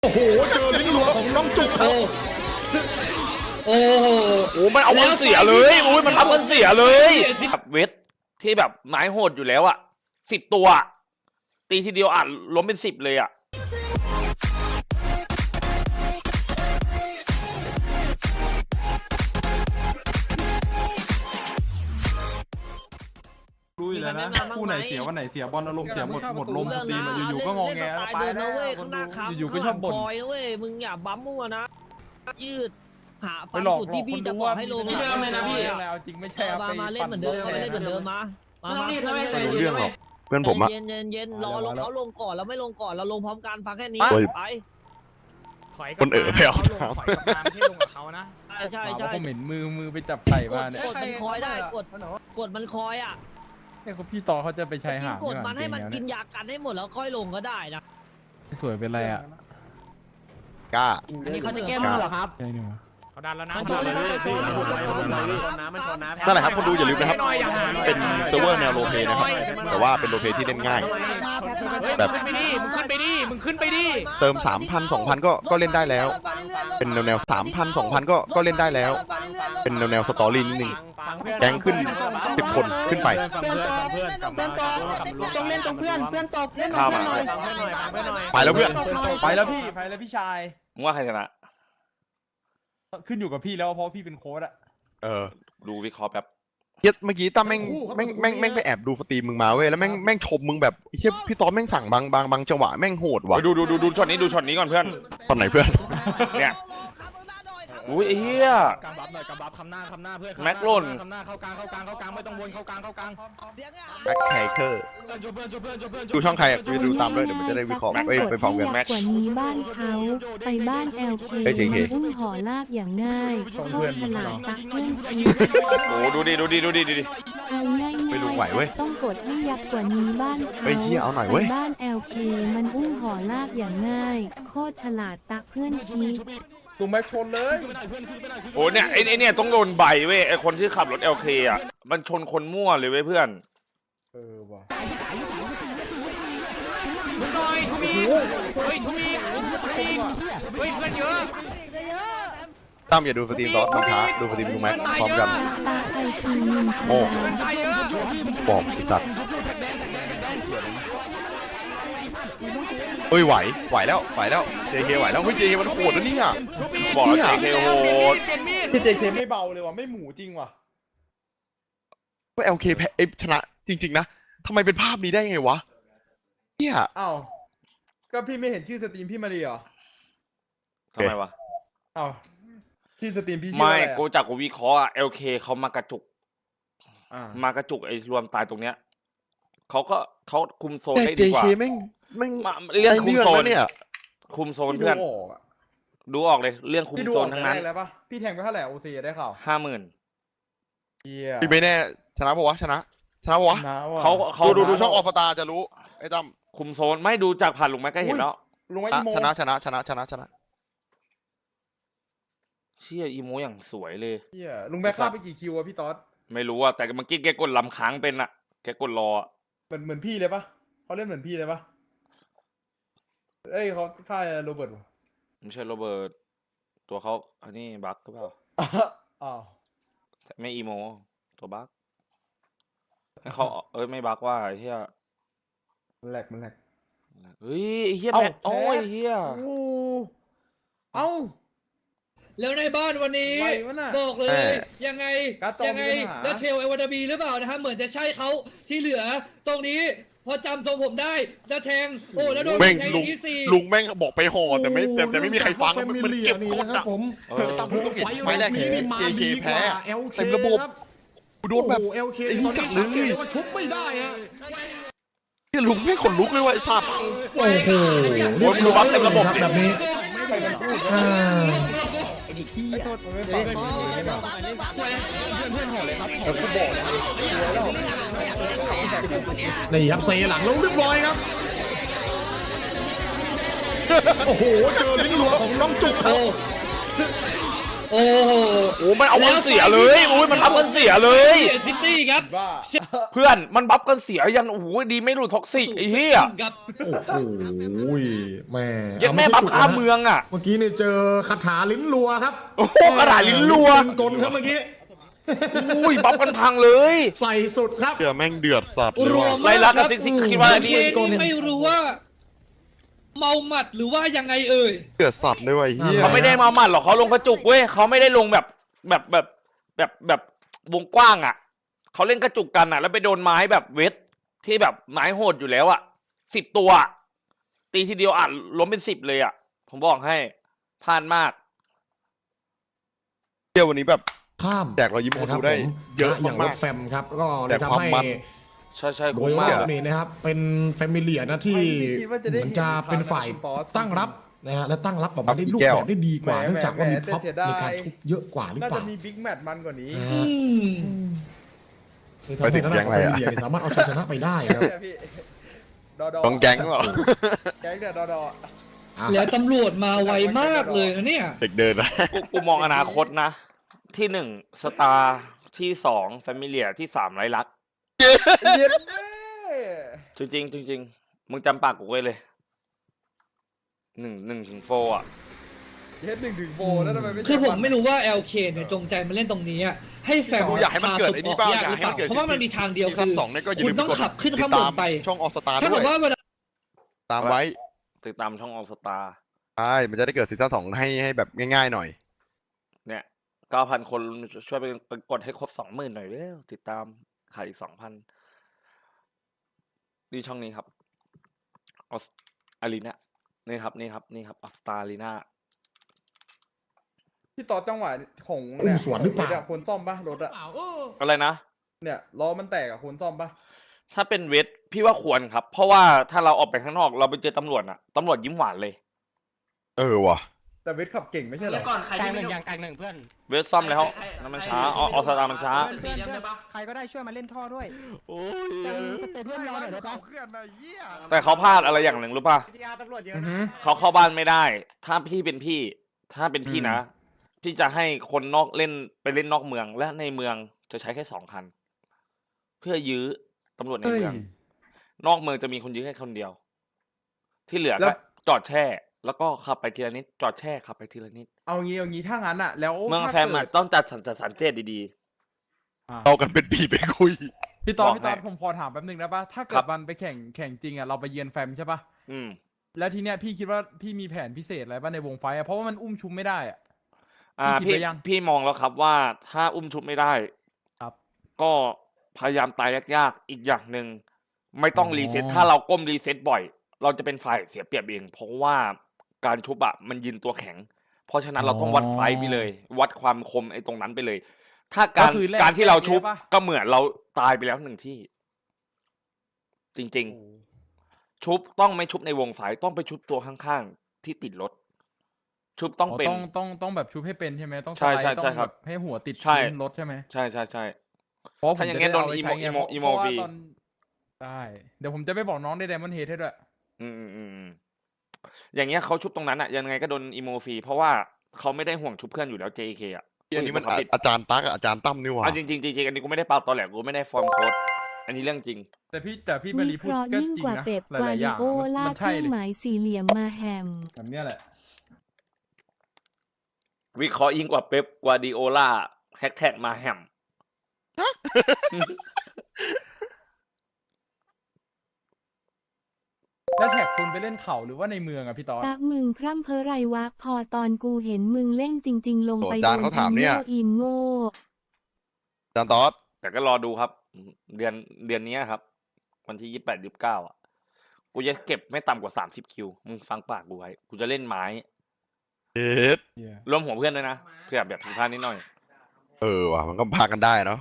โอ้โหเจอลิ้นรัวของน้องจุกครับโอ้โหโอ้มันเอามันเสียเลยโอ้ยมันทำมันเสียเลยแบบเวทที่แบบไม้โหดอยู่แล้วอ่ะ10 ตัวตีทีเดียวอาจล้มเป็น10เลยอ่ะรู้อยู่แล้วนะคู่ไหนเสียวันไหนเสียบอลอารมณ์เสียหมดลมสตรีมอยู่ๆก็งอแงแล้วไปแล้วอยู่ๆก็ชอบบ่นคอยนะเว้ยมึงอย่าบั๊มมั่วนะยืดหาไปฟันหลอกจุดที่พี่คนจะดูบอกว่าให้ลงไม่เดิมเลยนะพี่เอาจริงไม่ใช่เอาไปมาเล่นเหมือนเดิมมาเล่นเหมือนเดิมมาไม่รู้เรื่องหรอกเพื่อนผมอะเย็นรอลงเขาลงก่อนแล้วไม่ลงก่อนเราลงพร้อมกันฟังแค่นี้ไปคนไปเอาน้ถอยกลับมาไม่ใช่ลงกับเขานะใช่เขาเหม็นมือไปจับไข่มาเนี่ยกดมันคอยได้กดมันคอยอ่ะเนี่ยพี่ต่อเขาจะไปชายหาดกดมันให้มันกินยากันให้หมดแล้วค่อยลงก็ได้นะสวยเป็นไรอ่ะกล้าอันนี้เขาจะแก้มือเหรอครับใช่หนูเขาดันแล้วนะเขาดันแล้วนะนั่นแหละครับคนดูอย่าลืมนะครับเป็นเซิร์ฟเวอร์แนวโรลเพลย์นะครับแต่ว่าเป็นโรลเพลย์ที่เล่นง่าย แบบมึงขึ้นไปดิเติม 3,000 2,000 ก็เล่นได้แล้ว เป็นแนว 3,000 2,000 ก็เล่นได้แล้ว เป็นแนวสตอรี่นิดนึงแก๊งขึ้น10 คนขึ้นไปต้องเล่นตรงเพื่อนตบเล่นข้ามมาไปแล้วเพื่อนไปแล้วพี่ชายมึงว่าใครชนะขึ้นอยู่กับพี่แล้วเพราะพี่เป็นโค้ชอะดูวิเคราะห์แป๊บเมื่อกี้ตั้มแม่งไปแอบดูสตรีมมึงมาเว้ยแล้วแม่งชมมึงแบบเฮียพี่ต๊อบแม่งสั่งบางจังหวะแม่งโหดว่ะดูช็อตนี้ก่อนเพื่อนตอนไหนเพื่อนเนี่ยอุ้ยไอ้เหี้ยกำบับหน่อยกำบับคำหน้าเพื่อนแม็กโล่นคำหน้าเข้ากลางไม่ต้องวนเข้ากลางแบ็คไคเกอร์ดูช่องใครกูจะดูตามด้วยเดี๋ยวมันจะได้วิเคราะห์ไปพร้อมกันกว่านี้บ้านเขาไปบ้าน LK เฮ้ย JK อุ้มห่อลากอย่างง่ายโคตรฉลาดตักเพื่อนทีโอ้ดูดิเอาง่ายไม่รู้ไหวเว้ยต้องกดให้ยักษ์กว่านี้บ้านเขาเฮ้ยเหี้ยเอาหน่อยเว้ยไปบ้าน LK มันอุ้มห่อลากอย่างง่ายโคตรฉลาดตักเพื่อนทีตุ้มแม็กชนเลยโอ้เนี่ยไอ้เนี่ยต้องโดนใบเว้ยไอ้คนที่ขับรถ LK อ่ะมันชนคนมั่วเลยเว้ยเพื่อนว่ะหน่อยทูมีเฮ้ยเพื่อนเยอะตั้มอย่าดูสตรีมตอสมันช้าดูสตรีมดูแม็กพร้อมกันตาไอซีมินโอ้ตายเยอะบอกไอ้สัตว์เฮ้ยไหวแล้ว JK ไหวแล้วเฮ้ย JK มันโหดนะเนี่ยบอกแล้ว JK โหดพี่เจเคไม่เบาเลยว่ะไม่หมูจริงว่ะก็ LK แพ้ชนะจริงๆนะทำไมเป็นภาพนี้ได้ไงวะเนี่ยอ้าวก็พี่ไม่เห็นชื่อสตรีมพี่มาเลยเหรอทำไมวะอ้าวชื่อสตรีมพี่ชื่อไม่อะไรกูจากกูวิเคราะห์อะ LK เขามากระจุกมามากระจุกไอ้รวมตายตรงเนี้ยเขาคุมโซนแต่ได้ดีกว่า JK แม่งมาเรื่องคุมโซนได้เรื่องนะเนี่ยคุมโซนเพื่อน ดูออกเลยเรื่องคุมพี่ดูโซออน กทั้งได้นั้นแล้วปะพี่แทงไปเท่าไหร่โอซีได้ข่าว 50,000 เฮียพี่ไม่แน่ชนะปะวะชนะปะวะนะว่ะเขาดูช่องออฟตาจะรู้ไอ้ตั้มคุมโซนไม่ดูจากผ่านลุงแม็กก็เห็นแล้วลุงไอ้อีโมชนะเชี่ยอีโมอย่างสวยเลยเฮียลุงแบ็คฆ่าไปกี่คิวอะพี่ต๊อดไม่รู้อะแต่เมื่อกี้แกกดลำค้างเป็นอะแกกดรออะเหมือนพี่เลยปะเขาเล่นเหมือนพี่เลยปะเอ้ยเขาฆ่าโรเบิร์ตวะไม่ใช่โรเบิร์ตตัวเขาอันนี้บั๊กหรือเปล่าอ้าวไม่อีโมตัวบั๊กให้เขาไม่บั๊กว่าไอ้เฮียมันแหลกเฮ้ยไอ้เฮียเอ้าแม่โอ้ยแพ้เฮียเอ้าแล้วในบ้านวันนี้ไหววะน่ะบอกเลย ยังไงการ์ตูนยังไงมีปัญหาแล้วเทลเอวาดาบีหรือเปล่านะฮะเหมือนจะใช่เขาที่เหลือ ตรงนี้พอจำทรงผมได้แล้วแทงโอ้แล้วโดนแม่งแทงลุอง ย่างที่สี่ลุงแม่งบอกไปห่อแต่ไม่มีใครฟังมันเก็บกดนะครัอะบผมตั้มมึงต้องเห็นไฟแรกเห็นนี่มา JK ดีกแพ้ว่า LK เต็มระบบครับกูโดนแบบโอ้ LK ไอ้ตนี่อนจันี้ดเลสังเกตยได้ว่าชุบไม่ได้ฮะเนี่ยลุงไม่ขนลุกเลยว่ะไอ้สัตว์โอ้โหโอ้ยดูบั๊กเต็มระบบครับแบบนี้อ่านี่ครับเซหลังลงเรียบร้อยครับโอ้โหเจอลิ้นรัวของน้องจุกครับโอ้โหโอ้มันเอากันเสียเลยโอ้ยมันบัฟกันเสียเลยซิตี้ครับเพื่อนมันบัฟกันเสียยันโอ้โหดีไม่รู้ท็อกซิกไอ้เหี้ยครับโอ้โหแม่ยันแม่บัฟข้ามเมืองอ่ะเมื่อกี้เนี่ยเจอคาถาลิ้นรัวครับโอ้โหกระดาษลิ้นรัวกลครับเมื่อกี้อุ้ยบัฟกันพังเลยใส่สุดครับเดือแม่งเดือดสัตว์เลยรวว่ะมไล่ลักกับซิกซิกคิดว่าเคนี่นี่ไม่รู้ว่า เมาหมัดหรือว่ายังไงเอ่ยเดือดสัตว์เลยว่ะไอ้เฮียเขาไม่ได้มาหมัดหรอกเขาลงกระจุกเว้ยเขาไม่ได้ลงแบบวงกว้างอ่ะเขาเล่นกระจุกกันอ่ะ แล้วไปโดนไม้แบบเวทที่แบบไม้โหดอยู่แล้วอ่ะ10 ตัวอะตีทีเดียวอ่ะล้มเป็น10เลยอ่ะผมบอกให้พลาดมากเที่ยววันนี้แบบข้ามแจกรอยยิ้มคนนะครัดูบได้ผมเยอะอย่างรมากถแฟมครับก็เลแต่ยความทำให้มันใช่โดคุ้ยมรมาอก บนี่นะครับเป็นแฟมิเลียนะที่ไม่คิดว่าจะได้เหมือนจะเป็นฝ่ายบอสตั้งรับนะฮะและตั้งรับแบบมาได้ครับลูกแก้วแบบได้ดีกว่าแหมเนื่องจากว่ามีแหมท็อปแต่เสียดายในการชุบเยอะกว่าหรือน่าเปจะล่ามีบิ๊กแมตช์มันกว่านี้นะอืฮะมเลยทำให้ทางด้านของแฟมิเลียสามารถเอาชัยชนะไปได้ครับเนี่ยพี่ดอต้องแก๊งเหรอแก๊งเนี่ยดออ่ะแล้วตำรวจมาไวมากเลยนะเนี่ยเด็กเดินนะกูมองอนาคตนะ ที่1สตาร์ที่2แฟมิเลียที่3ไรลักเย็นแม่จริงมึงจำปากกูไว้เลย1 ถึง 4อ่ะเย็น1 ถึง 4แล้วทำไมไม่ใช่คือผมไม่รู้ว่า LK เนี่ยจงใจมาเล่นตรงนี้อะให้แฟนกูอยากให้มันเกิดไอ้นี่บ้างยากหรือเปล่าเพราะว่ามันมีทางเดียวซีคืซั่นอ 2เนี่ยก็อย่าคุลืณมต้องกดขับขึ้นติข้างดบตาน มไปช่องออสตาถ้าด้เกิวยดว่าเวลาตามไว้ติดตามช่องออสตาใช่มันจะได้เกิดซีซั่น2ให้แบบง่ายๆหน่อยเนี่ย 9,000 คนช่วยไปกดให้ครบ 20,000 หน่อยเร็วติดตามขายอีก 2,000ดีช่องนี้ครับออสอารีนานี่ครับออสตาอารีนาที่ต่อจังหวะของอุ้มสวนหรือเปล่าคนซ่อมปะรถอะอะไรนะเนี่ยล้อมันแตกอะคนซ่อมปะถ้าเป็นเวทพี่ว่าควรครับ เพราะว่าถ้าเราออกไปข้างนอกเราไปเจอตำรวจน่ะตำรวจยิ้มหวานเลยว่ะแต่เวทขับเก่งไม่ใช่เหรอก่อนใครที่ไม่อย่าง1เพื่อนเวทซ่อมแล้วนั่นมันช้าออสตามันช้าเพื่อนใครก็ได้ช่วยมาเล่นท่อด้วยจำสเตเดียมรอหน่อยได้ปะแต่เขาพลาดอะไรอย่างหนึ่งรู้ป่ะตำรวจเยอะอือนะฮึเขาเข้าบ้านไม่ได้ ถ้าพี่เป็นพี่ ถ้าเป็นพี่นะ พี่จะให้คนนอกเล่นไปเล่นนอกเมือง และในเมืองจะใช้แค่2 คัน เพื่อยื้อตำรวจในเมือง นอกเมืองจะมีคนยื้อแค่คนเดียว ที่เหลือก็จอดแช่ แล้วก็ขับไปทีละนิด จอดแช่ขับไปทีละนิดเอางี้ถ้างั้นอะแล้วเมืองถ้าแฟมอะเกิดต้องจัดสันเจตดีเอากันเป็นปีไปคุยพี่ตอนบอกพี่ตอนให้ผมพอถามแป๊บนึงได้ปะถ้าเกิครัดบมันไปแข่งจริงอะเราไปเยือนแฟมใช่ปะๆแล้วทีเนี้ยพี่คิดว่าพี่มีแผนพิเศษอะไรบ้างในวงไฟอะเพราะว่ามันอุ้มชุมไม่ได้อะ พี่คิดพี่ไว้ยังพี่มองแล้วครับว่าถ้าอุ้มชุบไม่ได้ครับก็พยายามตายยากๆอีกอย่างหนึ่งไม่ต้องอ๋อรีเซ็ตถ้าเราก้มรีเซ็ตบ่อย เราจะเป็นฝ่ายเสียเปรียบเอง เพราะว่าการชุบอะมันยืนตัวแข็ง เพราะฉะนั้นเราต้องวัดไฟต์ไปเลย วัดความคมไอ้ตรงนั้นไปเลย ถ้าการก็คือแลกการที่เราชุบแลกได้ปะก็เหมือนเราตายไปแล้ว1 ที่ จริง ๆ ชุบต้องไม่ชุบในวงไฟต์ต้องไปชุบตัวข้างๆที่ติดรถ ชุบต้องอ๋อเป็นต้องแบบชุบให้เป็นใช่ไหมต้องใช่สไลด์ใช่ต้องใช่ครับแบบให้หัวติดใช่พื้นรถใช่ไหมใช่ใช่เพราะผมถ้าอย่างจะงั้นได้โดนเอาไปใช้ไงอีโมเพราะว่าฟรีตอนได้เดี๋ยวผมจะไปบอกน้องในไดมอนด์เฮดให้ด้วยอืมอย่างเงี้ยเขาชุบตรงนั้นอะยังไงก็โดนอีโมฟรีเพราะว่าเขาไม่ได้ห่วงชุบเพื่อนอยู่แล้ว JK อะอันนี้มันเขาปิดอาจารย์ตั๊กกับอาจารย์ตั้มนี่หว่าจริงอันนี้กูไม่ได้เปล่าตอแหลกูไม่ได้ฟอร์มโค้ดอันนี้เรื่องจริงแต่พี่มาวิรีเคพูดราะห์ก็ยิ่งจริงกว่านะเป๊ปหกวาลายๆอดิย่างโอลามันเคใช่รื่องเลยหมายสี่เหลี่ยมมาแฮมแบบเนี้ยแหละวิเคราะห์ยิ่งกว่าเป๊ปกวาร์ดิโอลาแฮกแท็กมาแฮมแล้วแท็กคุณไปเล่นเขาหรือว่าในเมืองอะพี่ตอนตะมึงพร่ำเพ้อไรวะพอตอนกูเห็นมึงเล่นจริง ๆ ลงไปโอ้จานเขาถามเนี่ยอิมโง่อาจารย์ตอสแต่ก็รอดูครับ เดือนนี้ครับ วันที่28-29อ่ะกูจะเก็บไม่ต่ำกว่า30 คิวมึงฟังปากกูไว้กูจะเล่นไม้เอ็ดรวมหัวเพื่อนด้วยนะเพื่อแบบผิดพลาดนิดหน่อยว่ะมันก็พากันได้เนาะ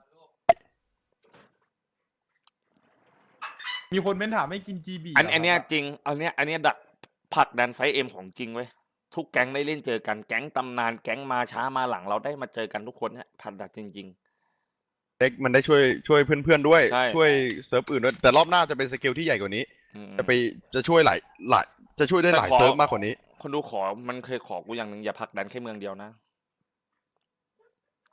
มีคนเป็นถามไม่กิน GB อันเนี้ยจริงอันเนี้ยดักผลักดันไฟเอ็มของจริงเว้ยทุกแก๊งได้เล่นเจอกันแก๊งตำนานแก๊งมาช้ามาหลังเราได้มาเจอกันทุกคนเนี่ยผลักดันจริงเด็กมันได้ช่วยเพื่อนๆด้วยใช่ช่วยเซิร์ฟอื่นด้วยแต่รอบหน้าจะเป็นสเกลที่ใหญ่กว่านี้ๆอืมจะช่วยหลายจะช่วยได้หลายแต่ขอเซิร์ฟมากกว่านี้คนดูขอมันเคยขอกูอย่างหนึ่งอย่าผลักดันแค่เมืองเดียวนะ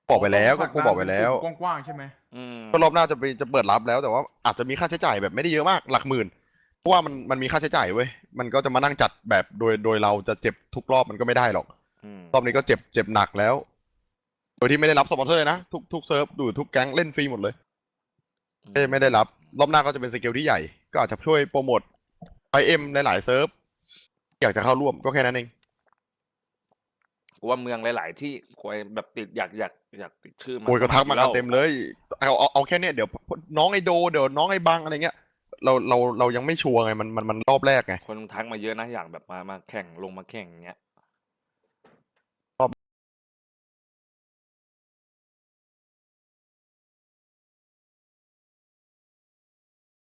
บอกไปแล้วก็กูบอกไปแล้วกว้างๆใช่ไหมก็รอบหน้าจะเปิดรับแล้วแต่ว่าอาจจะมีค่าใช้จ่ายแบบไม่ได้เยอะมากหลักหมื่นเพราะว่ามันมีค่าใช้จ่ายเว้ยมันก็จะมานั่งจัดแบบโดยเราจะเจ็บทุกรอบมันก็ไม่ได้หรอกรอบนี้ก็เจ็บหนักแล้วโดยที่ไม่ได้รับสปอนเซอร์เลยนะทุกเซิร์ฟดูทุกแก๊งเล่นฟรีหมดเลยไม่ได้รับรอบหน้าก็จะเป็นสเกลที่ใหญ่ก็อาจจะช่วยโปรโมทไฟเอ็มหลายๆเซิร์ฟอยากจะเข้าร่วมก็แค่นั้นเองกูว่าเมืองหลายๆที่ควยแบบติดอยากติดชื่อมาโอ้ยก็ทักมาสกันครเต็มเลยเอาแค่เนี้ยเดี๋ยวน้องไอโดเดี๋ยวน้องไอบังอะไรเงี้ยเรายังไม่ชัวร์ไงมันรอบแรกไงคนทักมาเยอะนะอยากแบบมาแข่งลงมาแข่งอย่างเงี้ย